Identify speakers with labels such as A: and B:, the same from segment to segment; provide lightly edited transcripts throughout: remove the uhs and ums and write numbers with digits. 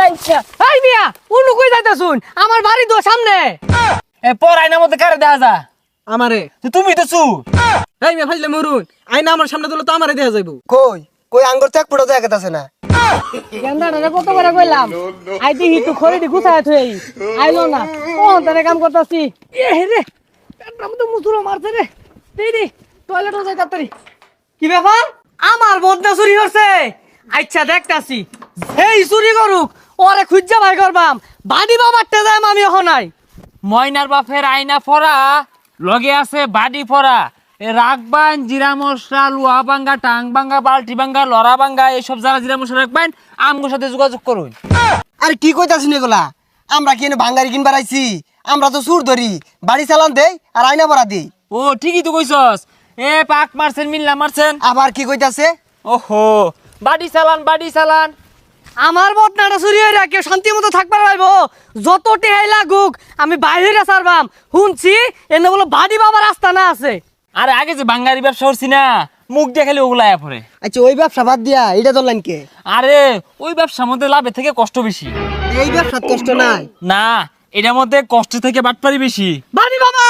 A: আইছা
B: এই মিয়া উনু কই যাইতাছুন আমার বাড়ি তো সামনে
A: এ পর আয়নার মধ্যে কারে দেখা যা
B: আমারে
A: তুমি তো চু
B: এই মিয়া ফাইলে মরুন আইনা আমার সামনে দিলে তো আমারে দেয়া যাইবো
C: কই কই আঙ্গুর চেক পড়ে যায় আছে না
B: গেন্দাটা কত বড় কইলাম আই দেখি তো খড়ি গুছায় থই আইলো না ও তারে কাম করতাছি এ রে পেটটা মতো মুসুরো মারছে রে দেই দে টয়লেটে যাই তাড়াতাড়ি কি ব্যাপার আমার বদনা চুরি হচ্ছে আচ্ছা দেখতাছি এই চুরি করুক ওরে খুঁজা ভাই করবাম বাড়ি বাবারটা যাই আমি এখন নাই
A: ময়নার বাপের আয়না পরা লগে আছে বাড়ি পরা রাখবান জিরা মশলা লুয়া ভাঙ্গা টাং ভাঙ্গা বালতি ভাঙ্গা লড়া ভাঙ্গা এইসব যারা জিরা মশলা রাখবেন আমগোর সাথে যোগাযোগ করুন।
C: আরে কি কইতাছিস এগুলা আমরা কি এনে ভাঙ্গারি কিনবার আইছি আমরা তো সুর ধরি বাড়ি চালান দেই আর আয়না ভরা দেই
A: ও ঠিকই তো কইছস এ পাক মারছেন মিল্লা মারছেন
C: আবার কি কইতাছে
A: ওহো বাড়ি চালান
B: আমার বদনাটা চুরি হয়ে কেউ শান্তি মতো থাকবার পাইবো যত টেহাই লাগুক আমি বাইরে সারবাম শুনছি এনে বলো বাড়ি বাবার রাস্তা না আছে
A: আরে আগে যে বাঙ্গারি ব্যবসা করছি না মুখ দেখালে ওগুলা আয়া পড়ে।
C: আচ্ছা ওই ব্যবসা বাদ দিয়া এটা ধরলেন কে
A: আরে ওই ব্যবসার মধ্যে লাভের থেকে কষ্ট বেশি।
C: এই ব্যবসার কষ্ট নাই
A: না এটার মধ্যে কষ্ট থেকে বাটপারি বেশি।
B: বাড়ি বাবা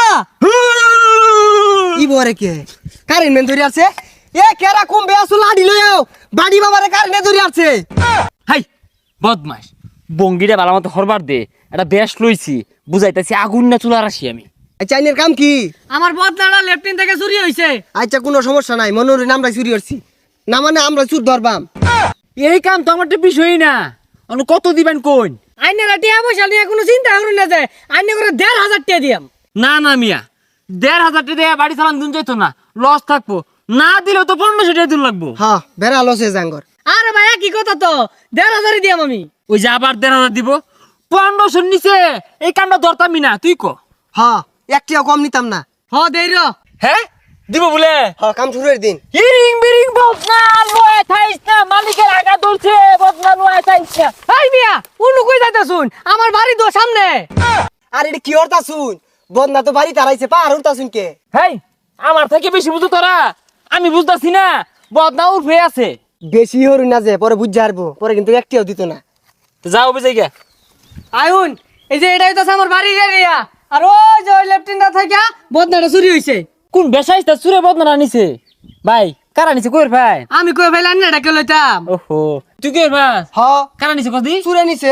C: ই বরে কে কারেন্ট মেন ধরে আছে এ কেরা কমবে আসো লাডি লইও বাড়ি বাবারে কারেন্ট ধরে আছে
A: হাই বদমাস বঙ্গিটা ভালো মতো হরবার দে একটা বেশ লইছি বুঝাইতেছি আগুন না চুলা রাশি আমি।
C: আচ্ছা আইনের কাম কি
B: আমার বদনাটা লেফটিন থেকে চুরি হয়েছে
C: আচ্ছা কোনো সমস্যা নাই মনোরে আমরা চুরি করছি না মানে আমরা চুর ধরবাম
A: এই কাম তো আমার তো বিষয়ই না অন্য কত দিবেন কোন
B: আইনের টিয়া পয়সা নিয়ে কোনো চিন্তা করুন না যে আইনে করে 1,500 টাকা দিয়াম
A: না না মিয়া 1,500 টাকা দিয়ে বাড়ি চালান দিন যাইতো না লস থাকবো না দিলেও তো 1500 টাকা দিন লাগবো।
C: হ্যাঁ বেড়া লসে জাঙ্গর
B: আরে ভাইয়া কি কথা তো 1,500 দিয়াম আমি
A: ওই যে আবার 1,500 দিব 1500 নিচে এই কামটা ধরতামই না তুই ক।
C: হ্যাঁ একটিও কম নিতাম না
B: হ দেই র
A: হ্যাঁ দিব বলে
C: হ্যাঁ কাম শুরুর দিন
A: হিরিং বিরিং বদনা লয়ে থাইস না মালিকের আগা ধরছে বদনা লয়ে থাইস না।
B: এই মিয়া উনু কই যাইতাছুন আমার বাড়ি তো সামনে
C: আর এটা কি হরতা শুন বদনা তো বাড়ি তারাইছে পার হরতা শুন কে
A: হেই আমার থেকে বেশি বুঝো তোরা আমি বুঝতাছি না বদনা উঠে আছে।
C: বেশি হরু না যে পরে বুঝ যারবো পরে কিন্তু একটিও দিত না
A: তো যাও বেজাই গে
B: আইউন এই যে এটাই তো আমার বাড়ির এরিয়া আর ওই যে লেফটিনটা থেকে বদনাটা চুরি হইছে
A: কোন বেসাইস্তা সুরে বদনা নিছে ভাই কারা নিছে কইর ভাই
B: আমি কই ফেলান না ডাকে লইতাম
A: ওহো তুই কইর ভাই
C: হ
A: কারা নিছে কদি
C: চুরে নিছে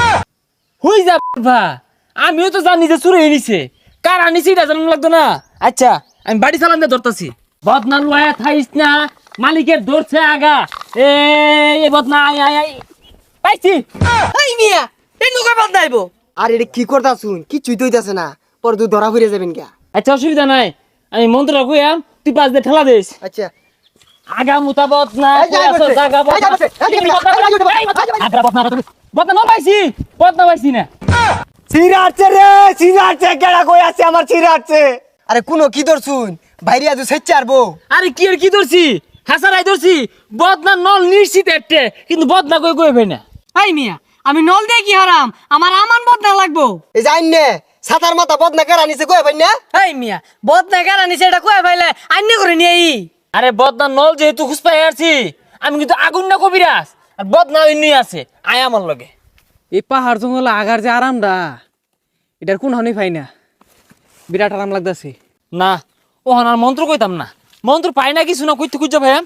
A: হই যা ভা আমিও তো জানি যে চুরে নিছে কারা নিছে এটা জানা লাগতো না। আচ্ছা আমি বাড়ি চালান দিয়ে ধরতাছি বদনা লয়ে থাইস না মালিকের ধরছে আগা এই বদনা আই আই আই পাইছি।
B: এই মিয়া এই নুকা বদনাইবো
C: আর এটা কি করতা শুন কিছুই তৈতাছে না পরে তুই ধরা ফিরে যাবেন কে
A: আচ্ছা অসুবিধা নাই আমি মন্ত্রটা কইয়াম তুই পাঁচ দিয়ে ঠেলা দিস
C: আচ্ছা
A: আগা মুতা বদনা
C: এই যা বসে, এই যা বসে, এই যা বসে,
A: আগা বদনা ন পাইছি বদনা পাইছি না।
C: চিরাচ্ছে রে চিরাচ্ছে কেডা কই আছে আমার চিরাচ্ছে আরে কোন কি ধর শুন বাইরে আজ সেচ্ছে আরবো
A: আরে কি আর কি ধরছি হাসারাই ধরছি বদনা নল নিশ্চিত একটা কিন্তু বদনা কই কই ভাই না।
B: এই মিয়া আমি নল দিয়ে কি হারাম আমার আমান বদনা লাগবো
C: এই যাইন নে সাতার মাথা বদনা কেরা নিছে কই ভাই না
B: এই মিয়া বদনা কেন নিছে এটা কই ফাইলে আইনে করে নিয়ে আই
A: আরে বদনা নল যেহেতু খুঁজপাই আসছি আমি কিন্তু আগুন না কবিরাস আর বদনা এমনি আছে আয় আমার লগে।
D: এই পাহাড় জঙ্গল আগার যে আরামটা এটার কোন হনি পাই না বিরাট আরাম লাগতেছে
A: না ও আর মন্ত্র কইতাম না মন্ত্র পাই না কিছু না কইতে খুঁজা ভাই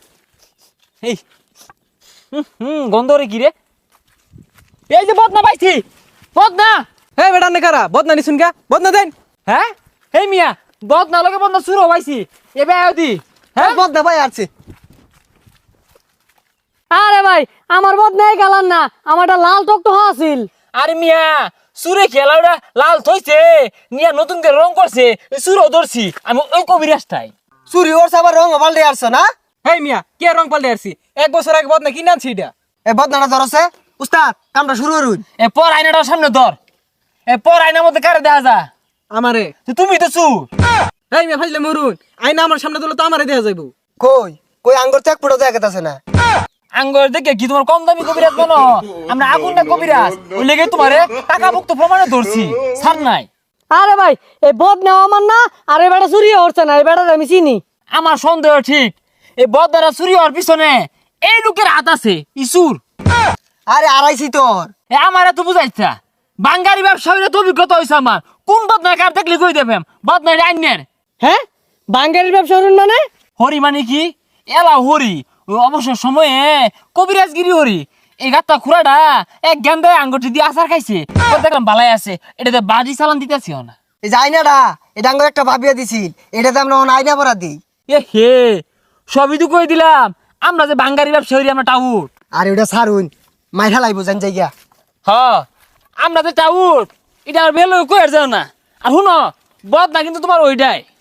A: এই গন্ধ রে কি রে এই যে বদনা পাইছি বদনা।
D: হে বেটা নে কারা বদনা নিছুন কা বদনা দেন
A: হ্যাঁ এই মিয়া বদনা লগে বদনা শুরু পাইছি এবে আদি
C: হ্যাঁ বদনা ভাই আছে
B: আরে ভাই আমার বদনাই গেলাম না আমারটা লাল টকটো আছিল
A: আরে মিয়া সুরে খেলাটা লাল থইছে নিয়া নতুন করে রং করছে সুরও ধরছি আমি ওই কবিরাজটাই।
C: চুরি ওর সাবার রং পাল্টে আসছে না
D: হেই মিয়া কে রং পাল্টে আসছি 1 বছর আগে বদনা কিনে আনছি এটা
C: এ বদনাটা ধরছে উস্তাদ কামটা শুরু করুন
A: এ পর আয়নাটার সামনে ধর এ পর আয়নার মধ্যে কারে দেখা যা
D: আমারে
A: তুমি তো চু
D: হেই মিয়া ফাইলে মরুন আইনা আমার সামনে দিলে তো আমারে দেয়া যাইবো
C: কই কই আঙ্গুর চেক পড়ে যায় আছে না
A: আঙ্গর দেখে কি তোমার কম দামি কবিরাজ মনে আমরা আগুন না কবিরাজ ওই লেগে তোমারে টাকা মুক্ত প্রমাণে ধরছি ছাড় নাই।
B: আরে ভাই এই বদনা আমার না আর এই বেটা চুরি হচ্ছে না এই বেটা আমি চিনি
A: আমার সন্দেহ ঠিক এই বদনারা চুরি হওয়ার পিছনে এই লোকের হাত আছে ইসুর
C: আরে আড়াইছি তোর।
A: এ আমার এত বুঝাইছা বাঙ্গারি ব্যবসা হইলে তো অভিজ্ঞতা হয়েছে আমার কোন বদনার কার দেখলে কই দেবেন বদনার আইনের
B: হ্যাঁ বাঙ্গারির ব্যবসা করুন মানে?
A: হরি মানে কি এলা হরি ওই অবসর সময়ে কবিরাজগিরি হরি এই গাত্তা খুড়াটা এক গেন্দায় আঙ্গুটি দিয়ে আচার খাইছে ওর দেখলাম বালাই আছে এটাতে বাড়ি চালান দিতেছি না
C: এই যে আয়নাটা এটা আঙ্গুর একটা ভাবিয়া দিছিল, এটাতে আমরা এখন আয়না পরা দিই।
A: এ হে সবই তো কই দিলাম আমরা যে বাঙ্গারি ব্যবসা হরি আমরা টাউট
C: আর ওটা সারুন মাইরা লাইব জান জায়গা।
A: হ আমরা যে টাউট এটা আর বেলো কই আর যাও না আর শুনো বদ না কিন্তু তোমার ওইটাই